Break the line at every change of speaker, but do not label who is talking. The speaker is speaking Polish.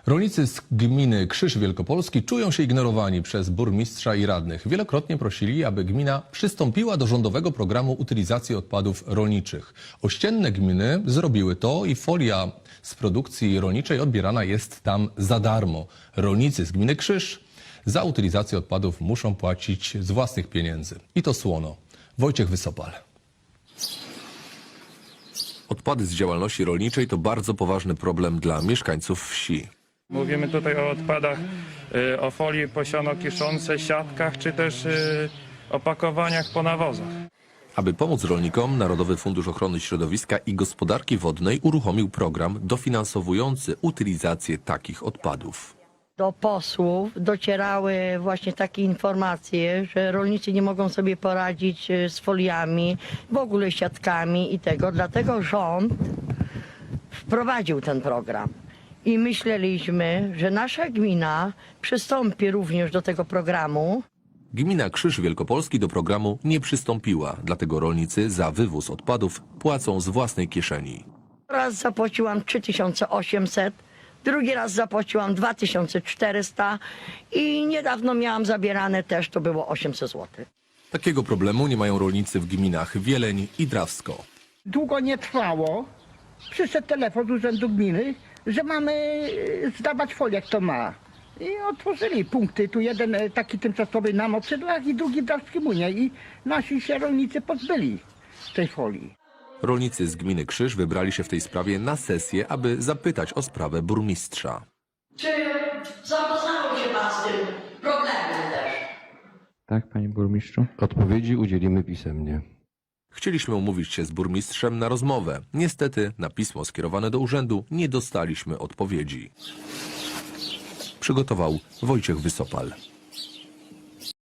Rolnicy z gminy Krzyż Wielkopolski czują się ignorowani przez burmistrza i radnych. Wielokrotnie prosili, aby gmina przystąpiła do rządowego programu utylizacji odpadów rolniczych. Ościenne gminy zrobiły to i folia z produkcji rolniczej odbierana jest tam za darmo. Rolnicy z gminy Krzyż za utylizację odpadów muszą płacić z własnych pieniędzy. I to słono. Wojciech Wysopal. Odpady z działalności rolniczej to bardzo poważny problem dla mieszkańców wsi.
Mówimy tutaj o odpadach, o folii posiono-kiszącej, siatkach, czy też opakowaniach po nawozach.
Aby pomóc rolnikom, Narodowy Fundusz Ochrony Środowiska i Gospodarki Wodnej uruchomił program dofinansowujący utylizację takich odpadów.
Do posłów docierały właśnie takie informacje, że rolnicy nie mogą sobie poradzić z foliami, w ogóle siatkami i tego. Dlatego rząd wprowadził ten program. I myśleliśmy, że nasza gmina przystąpi również do tego programu.
Gmina Krzyż Wielkopolski do programu nie przystąpiła, dlatego rolnicy za wywóz odpadów płacą z własnej kieszeni.
Raz zapłaciłam 3800, drugi raz zapłaciłam 2400 i niedawno miałam zabierane też, to było 800 zł.
Takiego problemu nie mają rolnicy w gminach Wieleń i Drawsko.
Długo nie trwało. Przyszedł telefon z urzędu gminy, że mamy zdawać folię, kto ma. I otworzyli punkty. Tu jeden taki tymczasowy na Moprzydłach i drugi w Drawskimunie. I nasi się rolnicy pozbyli tej folii.
Rolnicy z gminy Krzyż wybrali się w tej sprawie na sesję, aby zapytać o sprawę burmistrza.
Czy zapoznało się pan z tym problemem też?
Tak, panie burmistrzu.
Odpowiedzi udzielimy pisemnie.
Chcieliśmy umówić się z burmistrzem na rozmowę. Niestety na pismo skierowane do urzędu nie dostaliśmy odpowiedzi. Przygotował Wojciech Wysopal.